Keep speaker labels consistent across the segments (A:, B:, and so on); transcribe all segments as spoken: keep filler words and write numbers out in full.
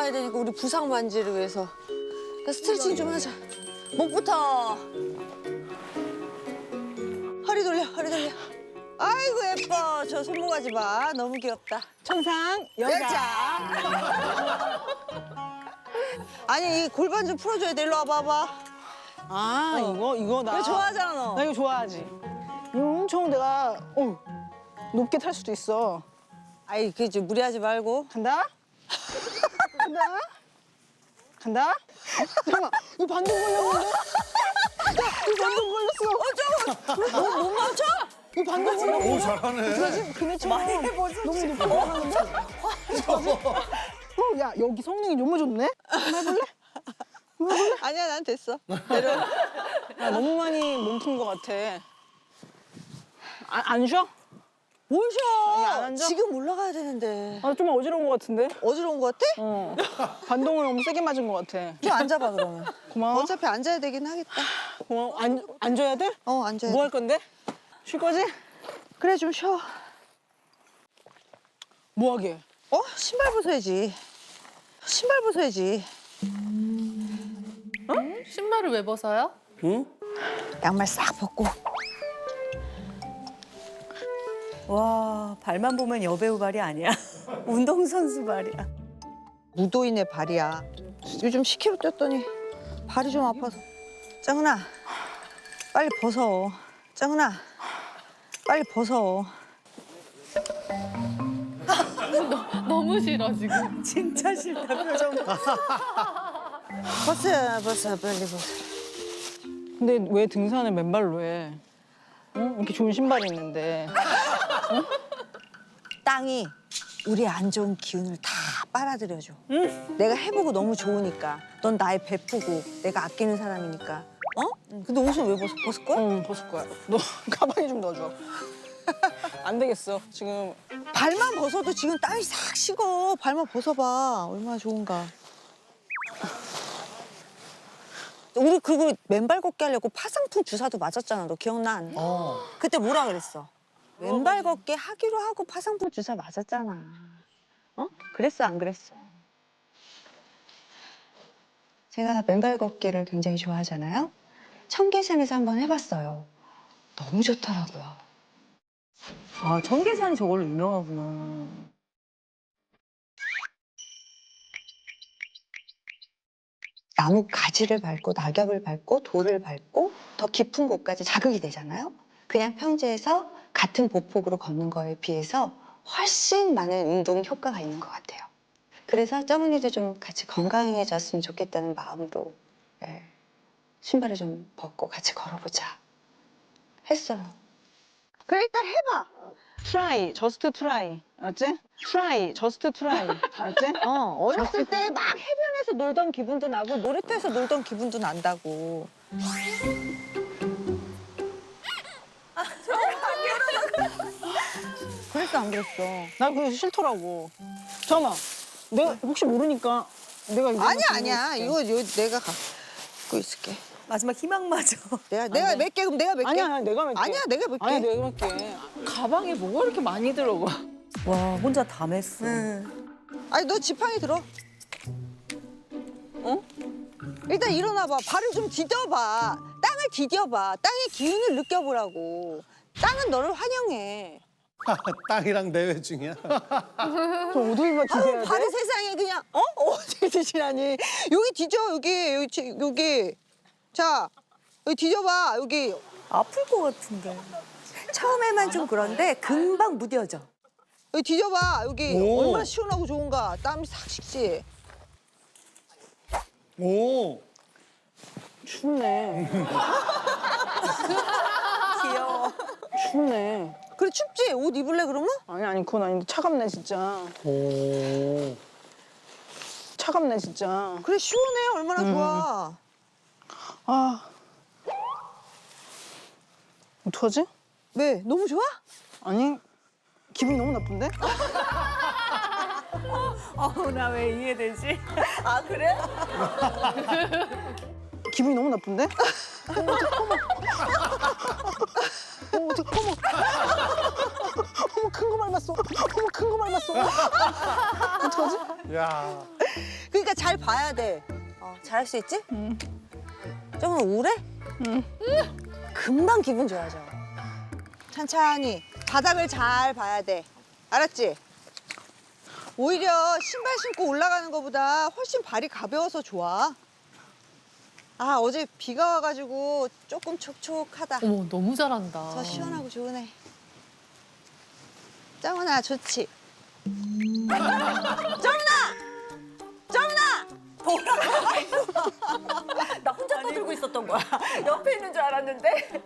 A: 올라가야 되니까 우리 부상 완지를 위해서. 그러니까 스트레칭 좀 하자. 목부터. 허리 돌려, 허리 돌려. 아이고 예뻐. 저 손모가지 봐. 너무 귀엽다.
B: 천상 여자.
A: 여자. 아니 이 골반 좀 풀어줘야 돼. 일로 와봐봐.
B: 아
A: 어.
B: 이거 이거 나.
A: 이거 좋아하잖아 너.
B: 나 이거 좋아하지. 이거 엄청 내가 어, 높게 탈 수도 있어.
A: 아이 그 좀 무리하지 말고.
B: 간다. 간다. 간다. 잠깐만 이거 반동 걸렸는데? 이거 반동 걸렸어.
A: 어, 못, 못 멈춰?
B: 이거 반동 걸렸는데?
C: 오, 잘하네.
B: 그러지? 그네처럼 너무 높게 올라가는데? 어, 야 여기 성능이 너무 좋네? 한번 해볼래?
A: 아니야 난 됐어. 내려.
B: 야, 너무 많이 몸푼 것 같아. 안, 안 쉬어?
A: 뭘
B: 아니, 안
A: 쉬어?
B: 앉아?
A: 지금 올라가야 되는데.
B: 아, 좀 어지러운 것 같은데?
A: 어지러운 거 같아?
B: 어. 반동을 너무 세게 맞은 것 같아.
A: 좀 앉아봐 그러면.
B: 고마워.
A: 어차피 앉아야 되긴 하겠다.
B: 고마워. 안, 앉아야 돼?
A: 어 앉아야
B: 뭐
A: 돼.
B: 할 건데? 쉴 거지?
A: 그래 좀 쉬어.
B: 뭐 하게?
A: 어? 신발 벗어야지. 신발 벗어야지.
D: 신발을 왜 벗어요?
A: 양말 싹 벗고.
E: 와, 발만 보면 여배우 발이 아니야. 운동선수 발이야.
A: 무도인의 발이야. 요즘 십 킬로그램 뛰었더니 발이 좀 아파서. 짱은아, 빨리 벗어. 짱은아, 빨리 벗어.
D: 너무 싫어 지금.
E: 진짜 싫다, 표정.
A: 벗어, 벗어, 빨리 벗어.
B: 근데 왜 등산을 맨발로 해? 응? 이렇게 좋은 신발이 있는데.
A: 땅이 우리 안 좋은 기운을 다 빨아들여줘. 내가 해보고 너무 좋으니까. 넌 나의 베프고 내가 아끼는 사람이니까. 어? 근데 옷은 왜 벗어? 벗을 거야?
B: 응, 벗을 거야. 너 가방에 좀 넣어줘. 안 되겠어, 지금.
A: 발만 벗어도 지금 땀이 싹 식어. 발만 벗어봐. 얼마나 좋은가. 우리 그리고 맨발 걷기 하려고 파상풍 주사도 맞았잖아. 너 기억나?
C: 어.
A: 그때 뭐라 그랬어? 맨발 걷기 하기로 하고 파상풍 주사 맞았잖아. 어? 그랬어 안 그랬어?
F: 제가 맨발 걷기를 굉장히 좋아하잖아요. 청계산에서 한번 해봤어요. 너무 좋더라고요.
E: 아, 청계산이 저걸로 유명하구나.
F: 나무 가지를 밟고 낙엽을 밟고 돌을 밟고 더 깊은 곳까지 자극이 되잖아요. 그냥 평지에서 같은 보폭으로 걷는 거에 비해서 훨씬 많은 운동 효과가 있는 것 같아요. 그래서 쩌문이도 좀 같이 건강해졌으면 좋겠다는 마음으로 예, 신발을 좀 벗고 같이 걸어보자 했어요.
A: 그래 일단 해봐.
B: 트라이, 저스트 트라이. 알았지? 트라이, 저스트 트라이. 알았지?
A: 어, 어렸을 때 막 해변에서 놀던 기분도 나고 놀이터에서 놀던 기분도 난다고. 그랬어 안 그랬어?
B: 나 그게 싫더라고. 잠깐만. 내가 혹시 모르니까 내가 이거
A: 아니야
B: 들고
A: 아니야.
B: 있을게.
A: 이거 요 내가 갖고 있을게.
E: 마지막 희망마저.
A: 내가 내가 몇 개 그럼 내가 몇 개?
B: 아니야, 아니야, 내가 몇게
A: 아니야 내가 몇 개?
B: 아니야, 내가 몇게
D: 가방에 뭐가 이렇게 많이 들어가?
E: 와, 혼자 다 맸어.
A: 응. 아니 너 지팡이 들어. 어? 일단 일어나봐. 발을 좀 디뎌봐. 땅을 디뎌봐. 땅의 기운을 느껴보라고. 땅은 너를 환영해.
C: 땅이랑 대회 중이야.
B: 저 어딜 봐
A: 아유
B: 주세요.
A: 발을 세상에 그냥 어? 어디 드시라니. 여기 디뎌 여기 여기 지- 여기. 자 여기 디뎌봐 여기.
E: 아플 것 같은데. 처음에만 좀 그런데 금방 무뎌져.
A: 여기 뒤져봐 여기
C: 오.
A: 얼마나 시원하고 좋은가. 땀이 싹 식지.
C: 오.
B: 춥네.
E: 귀여워.
B: 춥네.
A: 그래 춥지? 옷 입을래 그러면?
B: 아니, 아니, 그건 아닌데 차갑네, 진짜.
C: 오.
B: 차갑네, 진짜.
A: 그래 시원해 얼마나 좋아.
B: 아. 어떡하지?
A: 왜? 너무 좋아?
B: 아니, 기분이 너무 나쁜데?
E: 어, 나 왜 이해되지? 아, 그래?
B: 기분이 너무 나쁜데? 어머, 어떡해, 어머. 어머, 어떡해, 어머. 어머, 큰 거 밟았어. 어머, 큰 거 밟았어. 어떡하지?
C: 야.
A: 그러니까 잘 봐야 돼. 어, 잘할 수 있지?
B: 응.
A: 조금 우울해?
B: 응.
A: 금방 기분 좋아져. 천천히 바닥을 잘 봐야 돼. 알았지? 오히려 신발 신고 올라가는 것보다 훨씬 발이 가벼워서 좋아. 아, 어제 비가 와가지고 조금 촉촉하다.
D: 어머 너무 잘한다.
A: 더 시원하고 좋으네. 정은아, 좋지? 정은아! 정은아!
E: 나 혼자 떠들고 있었던 거야. 옆에 있는 줄 알았는데.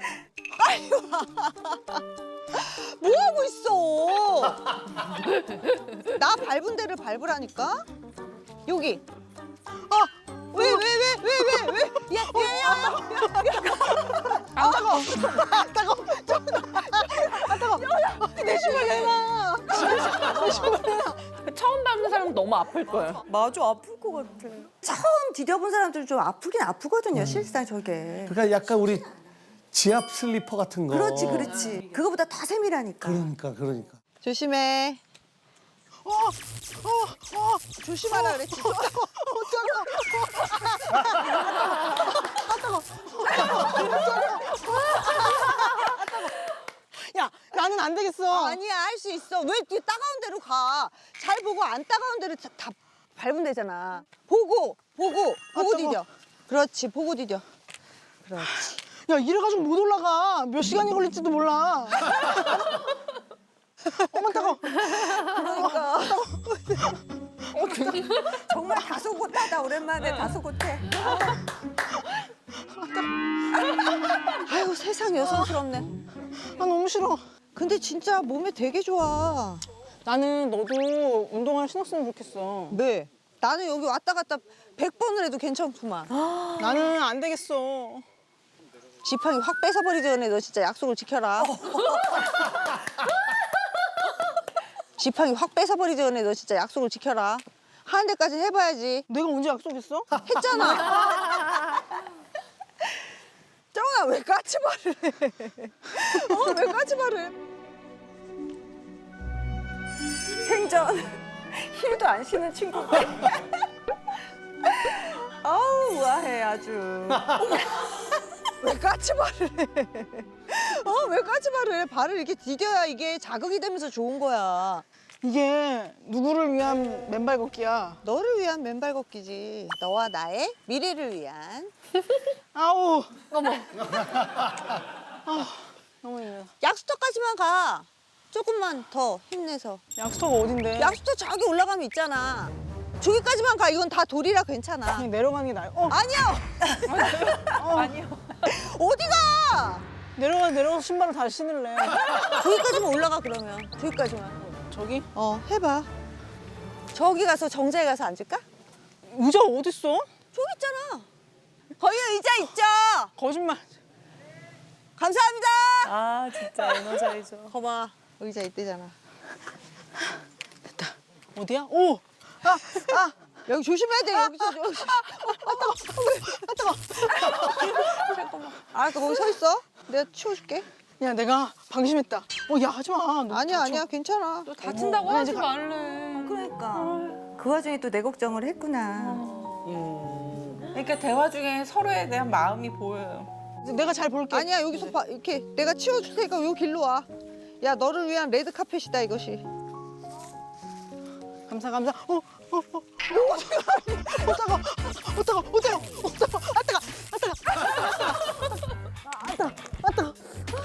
A: 뭐 하고 있어? 나 밟은 데를 밟으라니까? 여기. 아, 왜, 왜, 왜, 왜, 왜, 왜? 야, 야, 야, 야, 야. 아, 따가워. 아, 따가워. 아, 따가워. 내 신발 내놔. 내 신발 내놔.
D: 처음 밟는 사람 너무 아플 거예요.
E: 맞아, 아플 것 같아. 처음 디뎌본 사람들은 좀 아프긴 아프거든요, 실상 저게.
C: 그러니까 약간 우리 지압 슬리퍼 같은 거.
E: 그렇지, 그렇지. 그거보다 더 세밀하니까.
C: 그러니까, 그러니까.
A: 조심해. 어, 어, 어, 조심하라 그랬지. 어,
B: 야, 나는 안 되겠어.
A: 아니야, 할 수 있어. 왜 이렇게 따가운 데로 가? 잘 보고 안 따가운 데로 다, 다 밟으면 되잖아. 보고, 보고, 보고
B: 따가워.
A: 디뎌. 그렇지, 보고 디뎌. 그렇지.
B: 야, 이래가지고 못 올라가. 몇 시간이 걸릴지도 몰라. 어머, 따가워.
A: 그러니까.
E: 정말 다소곳하다, 오랜만에 다소곳해.
A: 아유, 세상 여성스럽네.
B: 아, 너무 싫어.
A: 근데 진짜 몸에 되게 좋아.
B: 나는 너도 운동화를 신었으면 좋겠어.
A: 네. 나는 여기 왔다 갔다 백 번을 해도 괜찮구만.
B: 나는 안 되겠어.
A: 지팡이 확 뺏어버리기 전에 너 진짜 약속을 지켜라. 지팡이 확 뺏어버리기 전에 너 진짜 약속을 지켜라. 하는 데까지 해봐야지.
B: 내가 언제 약속했어?
A: 했잖아. 정아, 왜 까치발을 해? 어, 왜 까치발을 해?
E: 생전 힐도 안 신은 친구인데. 아우, 우아해, 아주.
A: 왜 까치발을 해? 어, 왜 까치발을 해? 발을 이렇게 디뎌야 이게 자극이 되면서 좋은 거야.
B: 이게 누구를 위한 맨발 걷기야.
A: 너를 위한 맨발 걷기지. 너와 나의 미래를 위한.
B: 아우.
D: 어머.
B: 아, 너무 힘들어.
A: 약수터까지만 가. 조금만 더 힘내서.
B: 약수터가 어딘데?
A: 약수터 저기 올라가면 있잖아. 저기까지만 가. 이건 다 돌이라 괜찮아.
B: 그냥 내려가는 게 나아요. 어,
A: 아니야.
E: 아니요.
A: 어디가?
B: 내려가 내려가서 신발을 다시 신을래.
A: 저기까지만 올라가 그러면. 저기까지만.
B: 저기?
A: 어, 해봐. 저기 가서 정자에 가서 앉을까?
B: 의자가 어딨어?
A: 저기 있잖아. 거기 의자 있죠.
B: 거짓말.
A: 감사합니다.
E: 아, 진짜 에너자이저.
A: 거봐, 의자 있대잖아.
B: 어디야? 오! 아! 아!
A: 여기 조심해야 돼. 여기서 여기. 아 뜨거. 잠깐만. 알았어, 거기 서 있어. 내가 치워줄게.
B: 야, 내가 방심했다. 어, 야, 하지 마. 너
A: 아니야,
B: 다쳐.
A: 아니야, 괜찮아.
D: 다친다고
B: 아니,
D: 하지
B: 이제
D: 말래.
E: 그러니까. 그 와중에 또 내 걱정을 했구나.
G: 그러니까 대화 중에 서로에 대한 마음이 보여요.
B: 내가 잘 볼게.
A: 아니야, 여기서 봐, 이렇게 내가 치워줄 테니까 요 길로 와. 야, 너를 위한 레드 카펫이다 이것이.
B: 감사, 감사. 어, 어, 어. 어, 어떡하, 어떡하, 어떡하, 어떡하, 아, 뜨거, 아, 뜨거, 아, 뜨거, 아, 뜨거.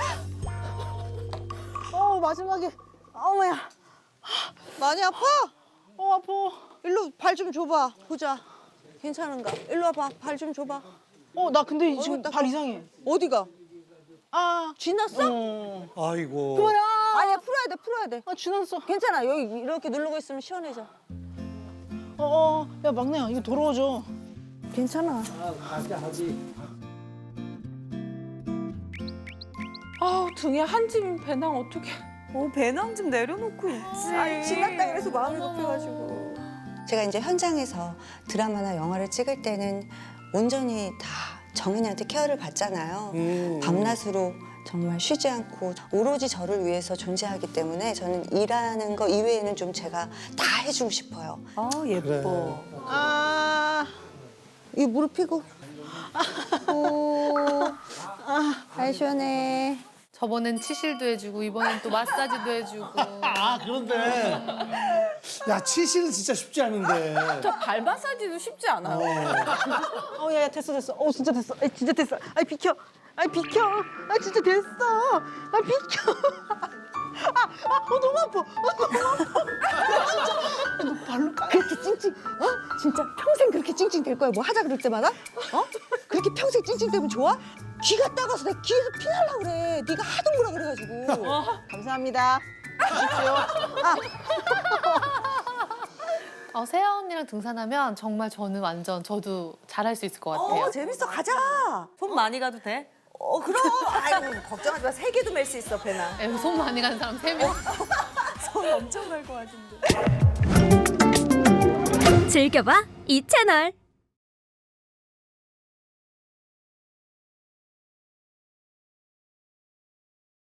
B: 어, 마지막에. 어머야.
A: 많이 아파?
B: 어, 아파.
A: 일로 발 좀 줘봐. 보자. 괜찮은가? 일로 와봐. 발 좀 줘봐.
B: 어, 나 근데 지금
A: 어이구, 딱
B: 발
A: 봐.
B: 이상해.
A: 어디가?
B: 아.
A: 쥐났어?
B: 어.
C: 아이고.
B: 그만아.
A: 아니야, 풀어야 돼, 풀어야 돼.
B: 아, 쥐났어.
A: 괜찮아. 여기 이렇게 누르고 있으면 시원해져.
B: 어, 어. 야, 막내야, 이거 더러워져.
A: 괜찮아.
G: 아우 등에 한 짐 배낭 어떻게?
E: 어, 배낭 좀 내려놓고 있지.
A: 아니, 지났다 그래서 마음이 급해가지고.
F: 제가 이제 현장에서 드라마나 영화를 찍을 때는 온전히 다 정은이한테 케어를 받잖아요.
C: 음.
F: 밤낮으로 정말 쉬지 않고 오로지 저를 위해서 존재하기 때문에 저는 일하는 거 이외에는 좀 제가 다 해주고 싶어요.
E: 아 예뻐.
A: 아, 이 무릎 펴고. 오, 아, 발 시원해.
D: 저번엔 치실도 해주고 이번엔 또 마사지도 해주고.
C: 아 그런데 야 치실은 진짜 쉽지 않은데.
G: 저 발 마사지도 쉽지 않아요.
A: 어, 야, 야, 됐어, 됐어. 어, 진짜 됐어. 아, 진짜 됐어. 아, 비켜. 아, 비켜. 아, 진짜 됐어. 아, 비켜. 아, 아, 어, 너무 아파. 아, 너무 아파. 야, 진짜. 너 발로 그렇게 찡찡. 어? 진짜 평생 그렇게 찡찡 될 거야. 뭐 하자 그럴 때마다? 어? 그렇게 평생 찡찡 되면 좋아? 귀가 따가서 내 귀에서 피 날라 그래. 네가 하도 뭐라 그래가지고. 감사합니다. 주십시오. 아,
D: 어, 세아 언니랑 등산하면 정말 저는 완전 저도 잘할 수 있을 것 같아요.
B: 어 재밌어 가자.
E: 손 많이 가도 돼?
B: 어 그럼. 아이고 걱정하지 마. 세 개도 맬 수 있어 배나.
D: 에, 손 많이 가는 사람 세 명.
E: 손 엄청 갈 것 같은데.
H: 즐겨봐 이 채널.